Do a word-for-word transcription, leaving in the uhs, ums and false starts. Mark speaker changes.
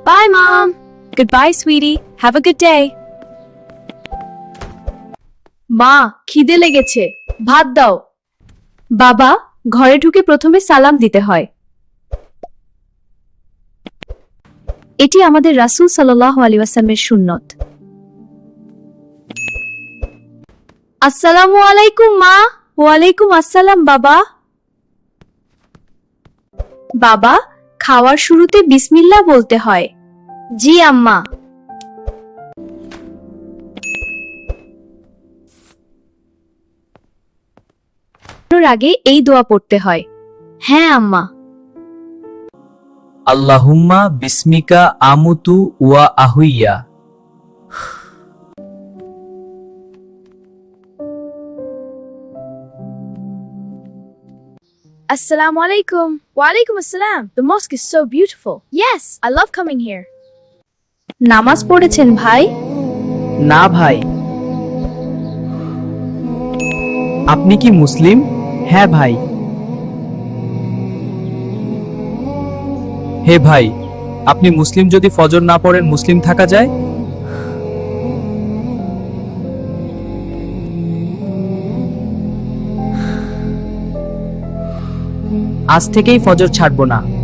Speaker 1: Bye, Mom. Goodbye, sweetie. Have a good day. মা, খিদে লেগেছে, ভাত দাও। বাবা, ঘরে ঢুকে প্রথমে সালাম দিতে হয়। এটি আমাদের রাসূল সাল্লাল্লাহু আলাইহি ওয়াসাল্লামের সুন্নত। আসসালামু আলাইকুম মা। ওয়ালাইকুম আসসালাম বাবা। বাবা, খাওয়ার শুরুতে বিসমিল্লাহ বলতে হয়। জি আম্মা। আগে এই দোয়া পড়তে হয়। হ্যাঁ আম্মা।
Speaker 2: আল্লাহুম্মা বিসমিকা আমুতু ওয়া আহুইয়া।
Speaker 1: Assalamu alaikum. Wa alaikum assalam. The mosque is so beautiful. Yes, I love coming here. নামাজ পড়েছেন ভাই?
Speaker 2: না ভাই। আপনি কি মুসলিম? হ্যাঁ ভাই। হে ভাই, আপনি মুসলিম যদি ফজর না পড়েন মুসলিম থাকা যায়? আজ থেকেই ফজর ছাড়বো না।